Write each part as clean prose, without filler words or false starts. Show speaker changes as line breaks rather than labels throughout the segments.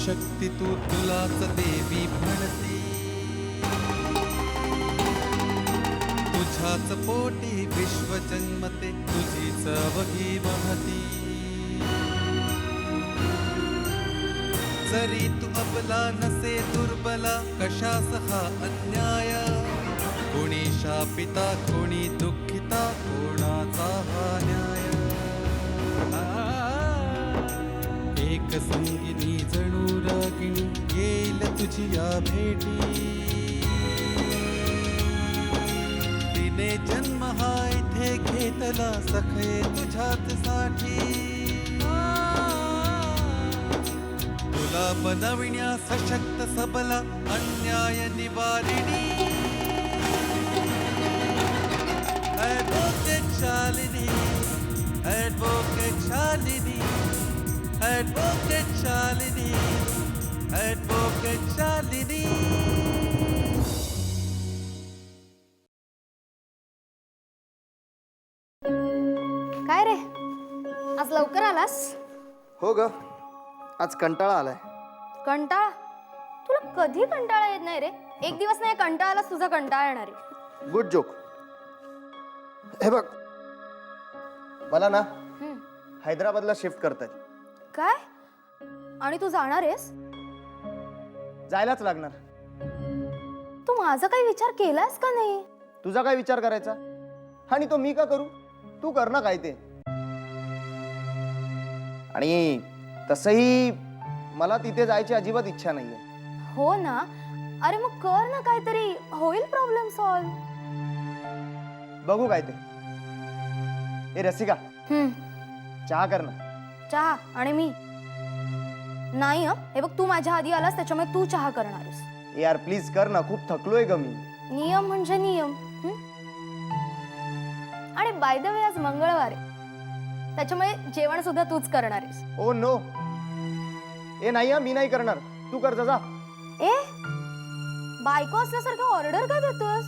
शक्ती तू तुलाच देवी म्हणती, तुझ्याच पोटी विश्व जन्मते तुझीच अवघी महती. जरी तू अबला नसे दुर्बला कशास हा अन्याय, कोणी शापिता कोणी दुःखिता कोणाचा हा न्याय. एक संगिनी जणू रागिणी येईल तुझी या भेटी, तिने जन्म हा इथे घेतला सखे तुझ्याच साठी. तुला बनविण्या सशक्त सबला अन्याय निवारिणी, advocate Shalini, advocate Shalini, advocate Shalini, advocate Shalini.
काय रे, आज लवकर आलास?
हो ग, आज कंटाळा आलाय.
कंटाळा? तुला कधी कंटाळा येत नाही रे. एक दिवस नाही कंटाळालाच तुझा कंटाळा येणार आहे.
Good joke. हे बघ, मला ना हैदराबादला शिफ्ट करतायत.
काय? आणि तू जाणार आहेस?
जायलाच लागणार.
तू माझा काही विचार केलास का नाही?
तुझा काय विचार करायचा आणि तो मी का करू? तू कर ना काय ते. आणि तसही मला तिथे जायची अजिबात इच्छा नाहीये.
हो ना. अरे मग कर ना काहीतरी, होईल प्रॉब्लेम सॉल्व.
बघू काय ते. ए रसिका, चहा कर ना.
चहा? आणि मी नाही. हे बघ, तू माझ्या आधी आलास त्याच्यामुळे तू चहा करणार आहेस.
यार प्लीज कर ना, खूप थकलोय ग मी.
नियम म्हणजे नियम. आणि बाय द वे आज मंगळवार आहे त्याच्यामुळे जेवण सुद्धा तूच करणार आहेस.
Oh no. ए नाही, मी नाही करणार. तू कर जा.
ए, बायको असल्यासारखं ऑर्डर काय देतोस?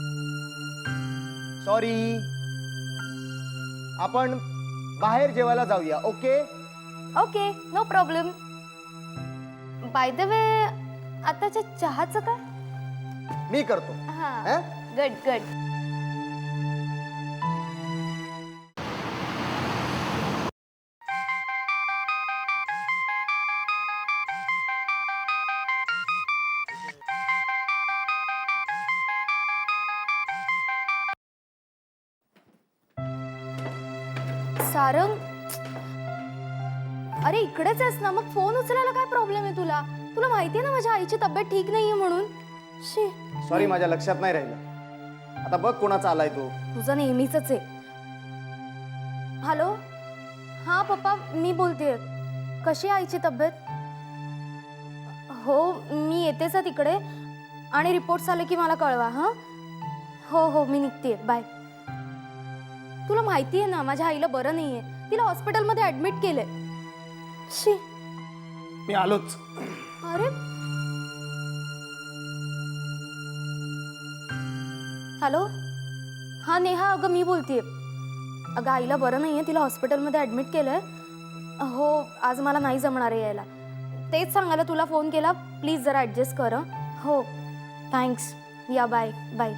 सॉरी. आपण बाहेर जेवायला जाऊया. Okay
okay, no problem. By the way आताच्या चहाचं काय?
मी करतो.
हा, गुड गुड. सारंग, अरे इकडेच आहेस ना, मग फोन उचलायला काय प्रॉब्लेम आहे तुला? तुला माहितीये ना माझ्या आईची तब्येत ठीक नाहीये म्हणून. शी.
सॉरी, माझ्या लक्षात नाही राहिलं. आता बघ कोणाचा आलाय तो.
तुझं नेहमीच आहे. हॅलो. हा पप्पा, मी बोलतेय. कशी आईची तब्येत? हो, मी येतेच आहे तिकडे आणि रिपोर्ट्स आले की मला कळवा. हा हो हो, मी निघतेय. बाय. तुला माहितीये ना माझ्या आईला बरं नाहीये. तिला हॉस्पिटलमध्ये ऍडमिट केलंय. शी.
मी आलोच.
अरे, हॅलो. हा नेहा, अगं मी बोलतेय. अगं आईला बरं नाहीये, तिला हॉस्पिटलमध्ये ऍडमिट केलंय. हो, आज मला नाही जमणार आहे यायला. तेच सांगायला तुला फोन केला. प्लीज जरा ऍडजस्ट कर. हो, थँक्स. या, बाय बाय.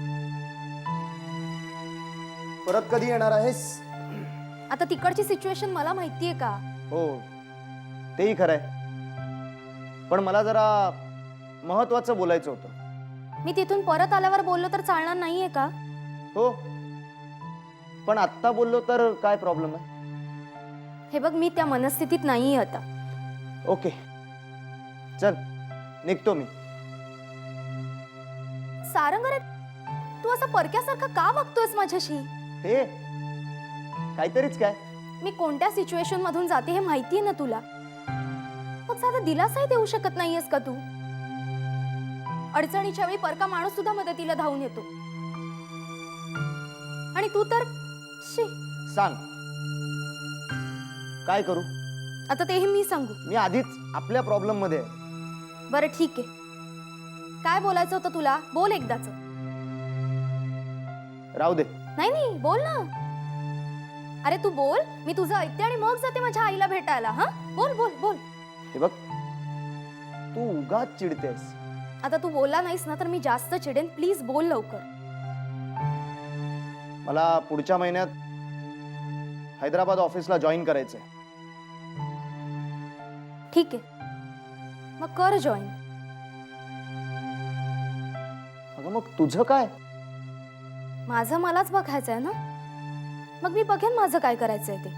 परत कधी येणार आहेस?
आता तिकडची सिच्युएशन मला माहितीये का?
हो, तेही खरंय. पण मला जरा महत्वाचं बोलायचं होतं.
मी तिथून परत आल्यावर बोललो तर चालणार नाहीये का?
हो, पण आत्ता बोललो तर काय प्रॉब्लेम आहे?
हे बघ, मी त्या मनस्थितीत नाहीये आता.
ओके, चल निघतो मी.
सारंग, अरे तू असं परक्यासारखा का वागतोयस माझ्याशी?
हे काहीतरीच काय.
मी कोणत्या सिच्युएशन मधून जाते हे माहितीये ना तुला. मग साधा दिलासाही देऊ शकत नाहीयेस का तू? अडचणीच्या वेळी परका माणूस सुद्धा मदतीला धावून येतो आणि तू तर शी.
सांग काय करू?
आता तेही मी सांगू?
मी आधीच आपल्या प्रॉब्लेम मध्ये आहे.
बरं ठीक आहे. काय बोलायचं होतं तुला? बोल एकदाच.
राहू दे.
नाही नाही, बोल ना. अरे तू बोल, मी तुझं ऐकते आणि मग जाते माझ्या आईला भेटायला. हा, बोल बोल बोल.
हे बघ, तू उगाच चिडतेस.
आता तू बोलला नाहीस ना तर मी जास्त चिडेन. प्लीज बोल लवकर.
मला पुढच्या महिन्यात हैदराबाद ऑफिसला जॉईन करायचंय.
ठीक आहे, मग कर जॉईन.
अगं मग तुझं काय?
माझं मलाच बघायचं आहे ना, मग मी बघेन माझं काय करायचंय ते.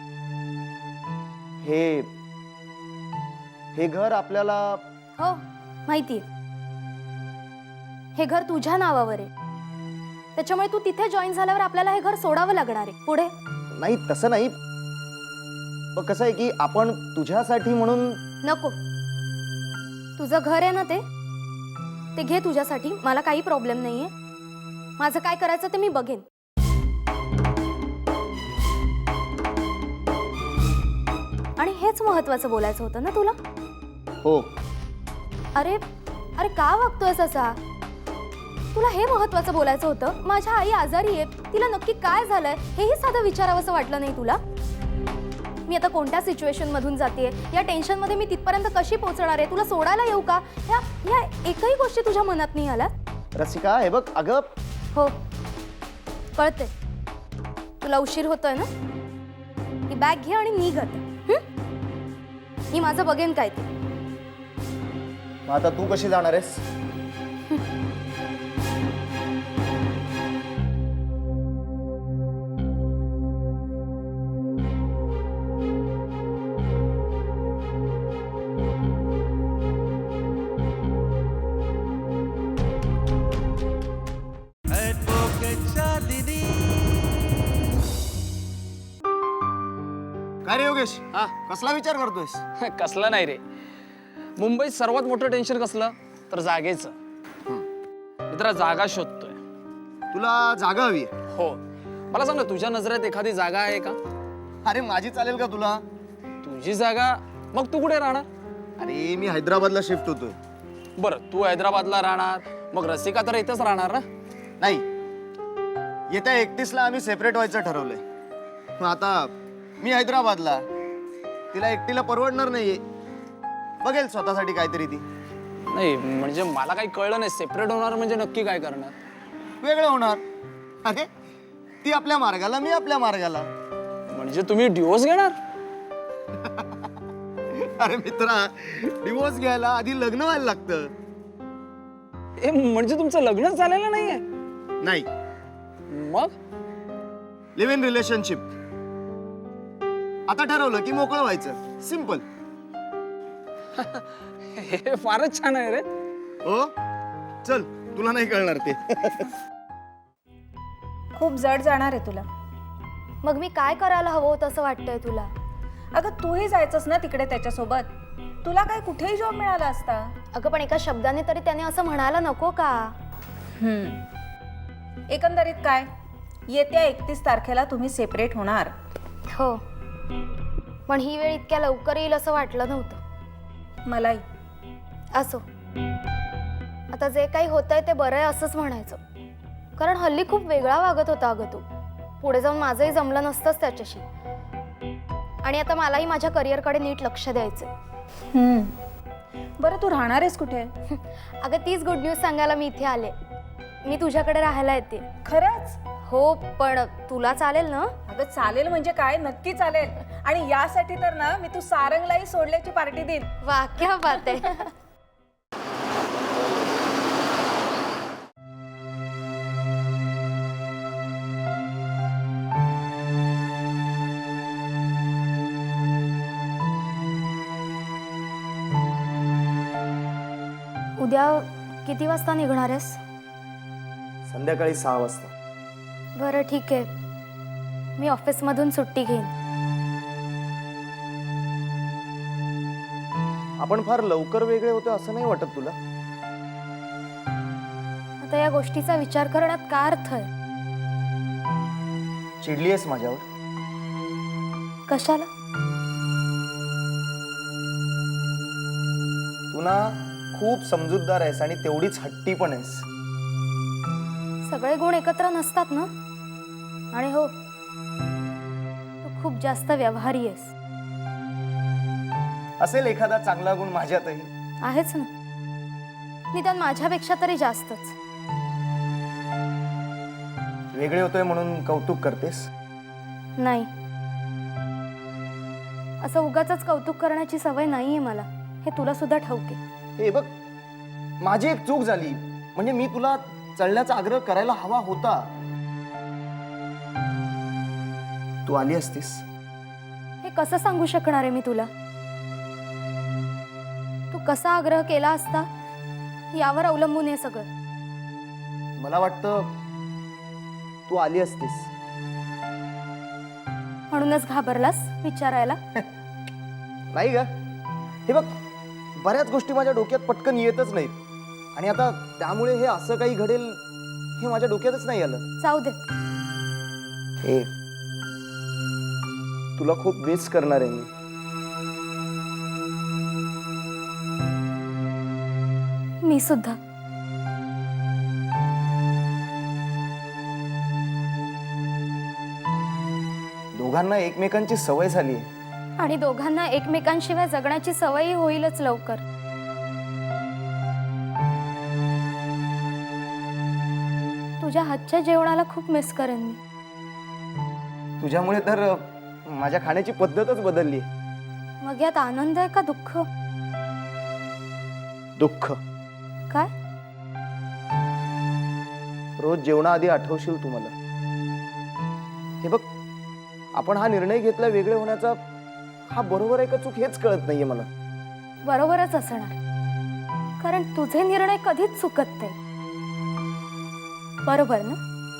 हे घर आपल्याला
हो माहितीये, हे घर तुझ्या नावावर आहे, त्याच्यामुळे तू तिथे जॉईन झाल्यावर आपल्याला हे घर सोडावं लागणार आहे. पुढे
नाही, तसं नाही. पण कसं आहे की आपण तुझ्यासाठी म्हणून.
नको, तुझं घर आहे ना ते घे तुझ्यासाठी. मला काही प्रॉब्लेम नाहीये. माझं काय करायचं ते मी बघेन. आणि हेच महत्वाचं बोलायचं होतं ना तुला.
हो.
अरे अरे का वागतोयस असा? तुला हे महत्वाचं बोलायचं होतं. माझ्या आई आजारी आहे, तिला नक्की काय झालंय हेही साधं विचारावंसं वाटलं नाही तुला? मी आता कोणत्या सिच्युएशन मधून जातेय, या टेन्शन मध्ये मी तिथपर्यंत कशी पोहोचणार आहे? तुला सोडायला येऊ का? ह्या एकही गोष्टी तुझ्या मनात नाही आल्या?
रसिका, हे बघ. अगं
हो कळते, तुला उशीर होतोय ना. ही बॅग घे आणि निघ आता. मी माझं बघेन काय ते.
मग आता तू कशी जाणार आहेस?
ॲडव्होकेट शालिनी.
काय रे योगेश,
हा
कसला विचार करतोयस?
कसलं नाही रे. मुंबईत सर्वात मोठं टेन्शन कसलं तर जागेचं. मित्रा जागा शोधतोय.
तुला जागा हवी?
हो. मला सांग ना, तुझ्या नजरेत एखादी जागा आहे का?
अरे माझी चालेल का तुला?
तुझी जागा? मग तू कुठे राहणार?
अरे मी हैदराबादला शिफ्ट होतोय.
बरं, तू हैदराबादला राहणार, मग रसिका तर इथंच राहणार ना?
नाही, येत्या 31ला आम्ही सेपरेट व्हायचं ठरवलंय. मग आता मी हैदराबादला, तिला एकटीला परवडणार नाहीये. बघेल स्वतःसाठी काहीतरी ती.
नाही म्हणजे मला काही कळलं नाही. सेपरेट होणार म्हणजे नक्की काय करणार?
वेगळं होणार. अरे ती आपल्या मार्गाला, मी आपल्या मार्गाला.
म्हणजे तुम्ही डिवोर्स घेणार?
अरे मित्रा, डिवोर्स घ्यायला आधी लग्न व्हायला लागतं.
म्हणजे तुमचं लग्नच झालेलं नाहीये?
नाही,
मग
लिव्ह इन रिलेशनशिप. आता ठरवलं की मोकळं व्हायचं. सिंपल.
हे फारच छान आहे रे.
हो चल, तुला नाही कळणार ते.
खूप जड जाणार आहे तुला.
मग मी काय करायला हवं होतं असं वाटतंय तुला?
अगं तूही जायचंस ना तिकडे त्याच्यासोबत. तुला काय कुठेही जॉब मिळाला असता.
अगं पण एका शब्दाने तरी त्याने असं म्हणायला नको का?
एकंदरीत काय, येत्या 31 तारखेला तुम्ही सेपरेट होणार.
हो, पण ही वेळ इतक्या लवकर येईल असं वाटलं नव्हतं.
मलाही.
असो, आता जे काही होतंय ते बरं आहे असंच म्हणायचं. कारण हल्ली खूप वेगळा वागत होता अगं तू. पुढे जाऊन माझंही जमलं नसतंच त्याच्याशी. आणि आता मलाही माझ्या करिअरकडे नीट लक्ष द्यायचं.
बरं तू राहणार आहेस कुठे?
अगं तीच गुड न्यूज सांगायला मी इथे आले. मी तुझ्याकडे राहायला येते.
खरंच?
हो, पण तुला चालेल ना?
अगं चालेल म्हणजे काय, नक्की चालेल. आणि यासाठी तर ना मी तू सारंगलाही सोडल्याची पार्टी देईन.
वा क्या बात आहे. उद्या किती वाजता निघणार आहेस?
संध्याकाळी 6 वाजता.
बरं ठीक आहे, मी ऑफिसमधून सुट्टी घेईन.
आपण फार लवकर वेगळे होतो असं नाही वाटत तुला?
आता या गोष्टीचा विचार करण्यात काय अर्थ आहे?
चिडली आहेस माझ्यावर?
कशाला?
तू ना खूप समजूतदार आहेस आणि तेवढीच हट्टी पण आहेस.
सगळे गुण एकत्र नसतात ना. आणि हो, तू खूप जास्त व्यवहारी आहेस.
असेल एखादा चांगला गुण माझ्यातही,
आहेच ना, निदान माझ्यापेक्षा तरी जास्तच.
वेगळे होतोय म्हणून कौतुक करतेस?
नाही, असं उगाचच कौतुक करण्याची सवय नाहीये मला, हे तुला सुद्धा ठाऊक आहे.
हे बघ, माझी एक चूक झाली, म्हणजे मी तुला चढण्याचा आग्रह करायला हवा होता. तू आली असतीस.
हे कसं सांगू शकणार आहे मी तुला? तू कसा आग्रह केला असता यावर अवलंबून आहे सगळं.
मला वाटतं तू आली असतीस.
म्हणूनच घाबरलास विचारायला?
नाही ग, हे बघ, बऱ्याच गोष्टी माझ्या डोक्यात पटकन येतच नाहीत, आणि आता त्यामुळे हे असं काही घडेल हे माझ्या डोक्यातच नाही आलं.
जाऊ दे,
हे तुला खूप मिस करणार आहे मी.
मी सुद्धा.
दोघांना एकमेकांची सवय झाली आहे.
आणि दोघांना एकमेकांशिवाय जगण्याची सवयही होईलच लवकर. तुझ्या हातच्या जेवणाला खूप मिस करेन मी.
तुझ्यामुळे तर माझ्या खाण्याची पद्धतच बदलली.
मग यात आनंद आहे का दुःख?
दुःख.
काय?
रोज जेवणाआधी आठवशील तू मला. हे बघ, आपण हा निर्णय घेतला वेगळे होण्याचा, हा बरोबर आहे का चूक हेच कळत नाहीये मला.
बरोबरच असणार, कारण तुझे निर्णय कधीच चुकत नाही. बरोबर ना?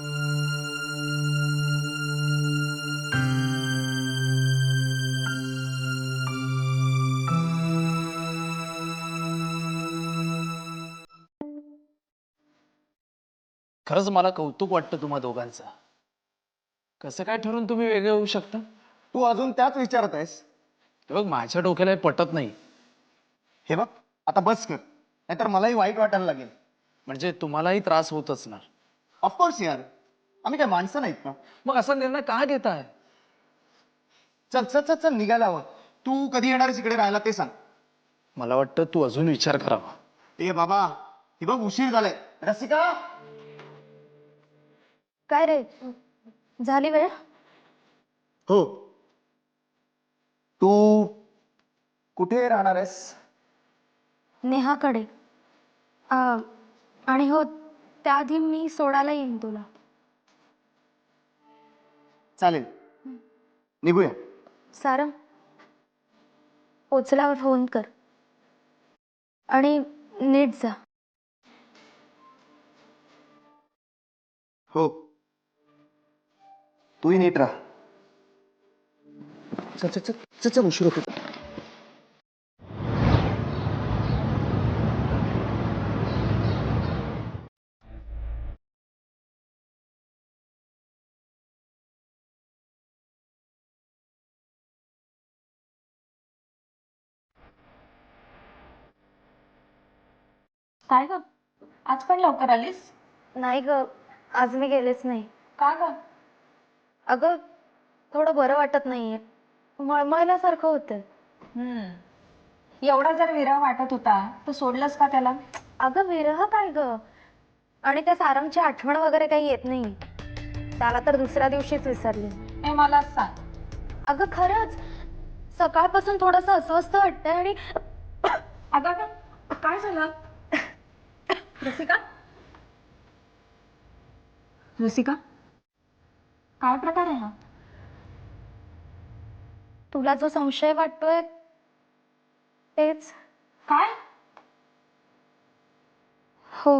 खरंच मला कौतुक वाटतं तुम्हा दोघांचं. कसं काय ठरवून तुम्ही वेगळे होऊ शकता?
तू अजून त्याच विचारत आहेस?
ते बघ, माझ्या डोक्याला हे पटत नाही.
हे बघ, आता बस कर, नाहीतर मलाही वाईट वाटायला लागेल.
म्हणजे तुम्हालाही त्रास होत असणार.
ऑफकोर्स यार, आम्ही काय माणसं नाहीत ना.
मग असा निर्णय का घेताय?
चल चल चल चल, निघायला हवं. तू कधी येणार आहेस इकडे राहायला ते सांग.
मला वाटतं तू अजून विचार करावा.
ए बाबा, हे बघ उशीर झालाय. रसिका,
काय रे, झाली वेळ?
हो. तू कुठे राहणार आहेस?
नेहाकडे. आणि हो, त्याआधी मी सोडायला येईन तुला.
चालेल, निघूया.
सारंग, पोचल्यावर फोन कर आणि नीट जा.
हो, तूही नीट राहा. चल चल चल चल चल, उशीर होतो.
काय ग, आज पण लवकर आलीस?
नाही ग, आज मी गेलेच नाही.
का ग?
अगं, थोडं बरं वाटत नाहीये, मळमळल्यासारखं होतं.
एवढा जर विरह वाटत होता तर सोडलंस का त्याला?
अगं विरह काय ग, आणि त्या सारंगची आठवण वगैरे काही येत नाही. त्याला तर दुसऱ्या दिवशीच विसरली.
हे मलाच सांग.
अगं खरंच, सकाळपासून थोडंसं अस्वस्थ वाटतंय. आणि
अगं अगं, काय झालं? रसिका, रसिका, काय प्रकार आहे हा?
तुला जो संशय वाटतोय तेच.
काय?
हो.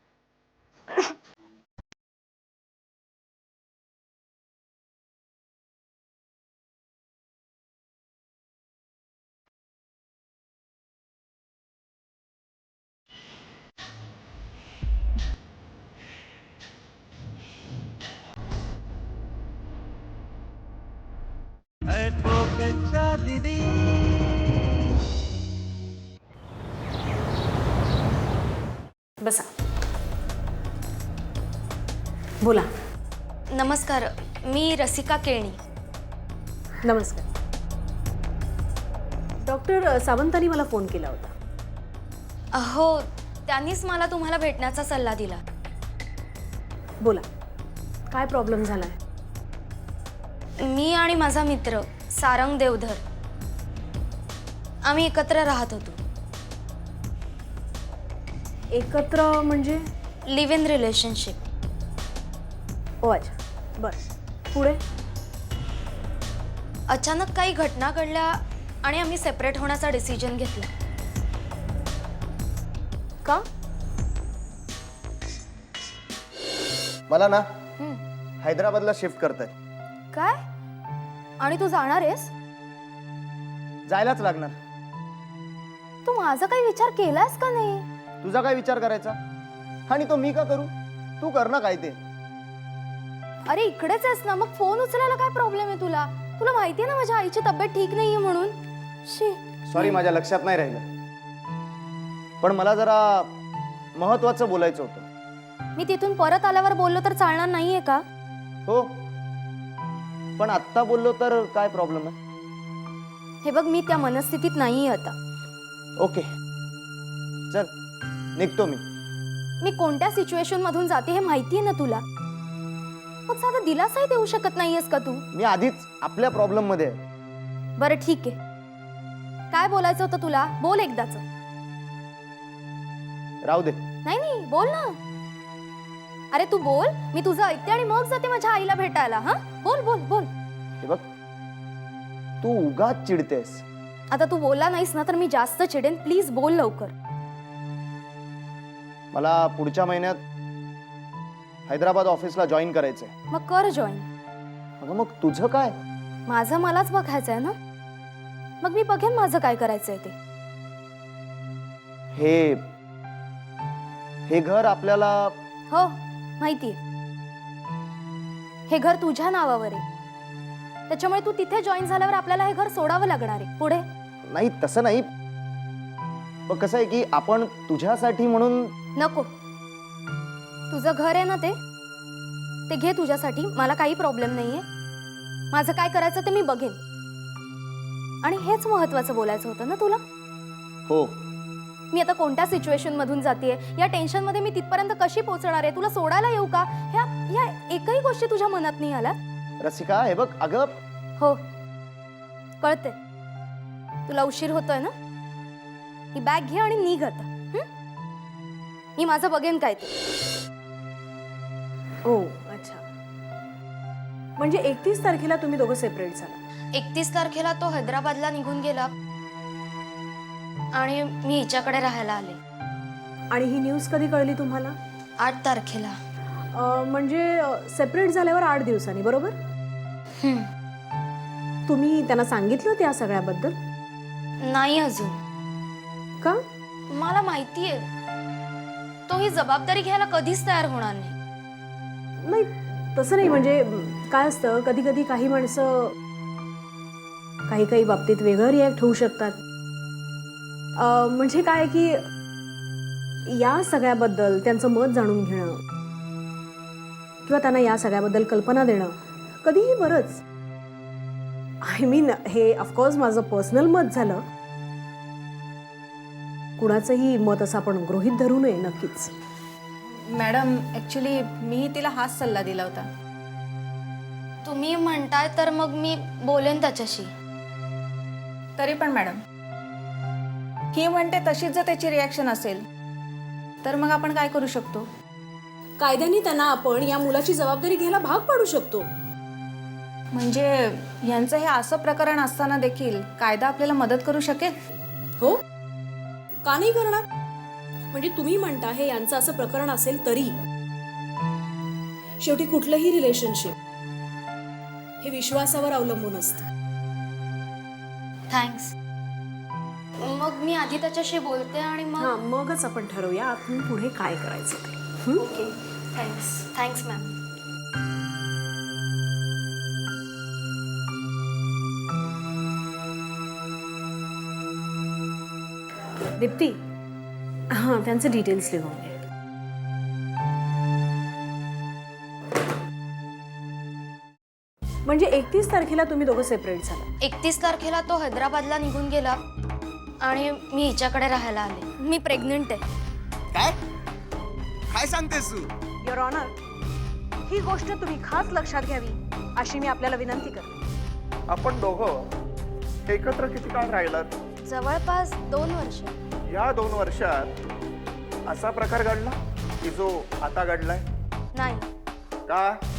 ॲडव्होकेटच्या दीदी.
बसा. बोला.
नमस्कार, मी रसिका केळणी.
नमस्कार. डॉक्टर सावंतांनी मला फोन केला होता.
हो, त्यांनीच मला तुम्हाला भेटण्याचा सल्ला दिला.
बोला, काय प्रॉब्लेम झालाय?
मी आणि माझा मित्र सारंग देवधर आम्ही एकत्र राहत होतो.
एकत्र म्हणजे?
Live in relationship.
ओ अच्छा, बरं. पुढे?
अचानक काही घटना घडल्या आणि आम्ही सेपरेट होण्याचा डिसिजन घेतला.
का?
मला ना
हं.
हैदराबादला शिफ्ट करतायत.
काय? आणि तू जाणार आहेस?
जायलाच लागणार.
तू माझा काही विचार केलास का नाही?
तुझा काय विचार करायचा आणि तो मी का करू? तू कर ना काय ते.
अरे इकडेच आहेस ना, मग फोन उचलायला काय प्रॉब्लेम आहे तुला? तुला माहितीये ना माझ्या आईची तब्येत ठीक नाहीये म्हणून. शी.
सॉरी, माझ्या लक्षात नाही राहिलं. पण मला जरा महत्वाचं बोलायचं होतं.
मी तिथून परत आल्यावर बोललो तर चालणार नाहीये का?
हो, पण आत्ता बोललो तर काय प्रॉब्लेम आहे?
हे बघ, मी त्या मनस्थितीत नाहीये आता.
ओके, चल निघतो मी.
मी कोणत्या सिच्युएशन मधून जाते हे माहितीये ना तुला. मग साधा दिलासाही देऊ शकत नाहीयेस का तू?
मी आधीच आपल्या प्रॉब्लेम मध्ये आहे.
बरं ठीक आहे, काय बोलायचं होतं तुला? बोल एकदाच.
राहू दे.
नाही नाही, बोल ना. अरे तू बोल, मी तुझं ऐकते आणि मग जाते माझ्या आईला भेटायला. हा, बोल बोल बोल.
हे बघ, तू उगाच चिडतेस.
आता तू बोलला नाहीस ना तर मी जास्त चिडेन. प्लीज बोल लवकर.
मला पुढच्या महिन्यात हैदराबाद ऑफिसला जॉईन करायचंय.
मग कर जॉईन.
अगं मग तुझं काय?
माझं मलाच बघायचंय ना, मग मी बघेन माझं काय करायचंय ते.
हे घर आपल्याला.
हो माहितीये, हे घर तुझ्या नावावर आहे. त्याच्यामुळे तू तिथे जॉईन झाल्यावर आपल्याला हे घर सोडावं लागणार आहे. पुढे
नाही, तसं नाही. पण कसं आहे की आपण तुझ्यासाठी म्हणून.
नको, तुझं घर आहे ना ते घे तुझ्यासाठी. मला काही प्रॉब्लेम नाहीये. माझं काय करायचं ते मी बघेन. आणि हेच महत्वाचं बोलायचं होतं ना तुला.
हो,
मी आता कोणत्या सिच्युएशन मधून जातेय, या टेन्शन मध्ये मी तिथपर्यंत कशी पोहोचणार आहे? तुला सोडायला येऊ का? ह्या एकही गोष्टी तुझ्या मनात नाही आल्या?
रसिका, हे बघ. अगं
हो कळते, तुला उशीर होतोय ना. ही बॅग घे आणि निघ आता. मी माझं बघेन काय ते.
ओ अच्छा, म्हणजे 31 तारखेला तुम्ही दोघं सेपरेट झाला?
31 तारखेला तो हैदराबादला निघून गेला आणि मी हिच्याकडे राहायला आले.
आणि ही न्यूज कधी कळली तुम्हाला?
8 तारखेला.
म्हणजे सेपरेट झाल्यावर 8 दिवसांनी, बरोबर?
हम्म.
तुम्ही त्यांना सांगितलं त्या सगळ्याबद्दल?
नाही अजून.
का?
मला माहितीये तो ही जबाबदारी घ्यायला कधीच तयार होणार नाही.
नाही तसं नाही, म्हणजे काय असतं, कधी कधी काही माणसं काही बाबतीत वेगळं रिॲक्ट होऊ शकतात. म्हणजे काय की या सगळ्याबद्दल त्यांचं मत जाणून घेणं किंवा त्यांना या सगळ्याबद्दल कल्पना देणं कधीही बरंच. आय मीन, हे ऑफकोर्स माझं पर्सनल मत झालं. कुणाचंही मत असं आपण गृहीत धरू नये. नक्कीच
मॅडम, ॲक्च्युली मी तिला हाच सल्ला दिला होता.
तुम्ही म्हणताय तर मग मी बोलेन त्याच्याशी.
तरी पण मॅडम, ही म्हणते तशीच जर त्याची रिॲक्शन असेल तर मग आपण काय करू शकतो?
कायद्याने त्यांना आपण या मुलाची जबाबदारी घ्यायला भाग पाडू शकतो.
म्हणजे यांचं हे असं प्रकरण असताना देखील कायदा आपल्याला मदत करू शकेल?
हो, का नाही करणार? म्हणजे तुम्ही म्हणता हे यांचं असं प्रकरण असेल तरी शेवटी कुठलंही रिलेशनशिप हे विश्वासावर अवलंबून असतं.
थँक्स. मग मी आधी त्याच्याशी बोलते आणि मग.
हां, मगच आपण ठरवूया आपण पुढे काय करायचं ते.
Okay, thanks. Thanks ma'am.
Deepti, हां त्यांचे डिटेल्स लिहून घे. म्हणजे 31 तारखेला तुम्ही दोघं सेपरेट झाला?
31 तारखेला तो हैदराबादला निघून गेला आणि मी हिच्याकडे राहायला आले. मी प्रेग्नंट आहे.
काय काय सांगतेस तू?
युअर ऑनर, ही गोष्ट तुम्ही खास लक्षात घ्यावी अशी मी आपल्याला विनंती करते.
आपण दोघं एकत्र किती काळ राहिलात?
जवळपास 2 वर्ष.
या 2 वर्षात असा प्रकार घडला की जो आता घडलाय?
नाही.
का?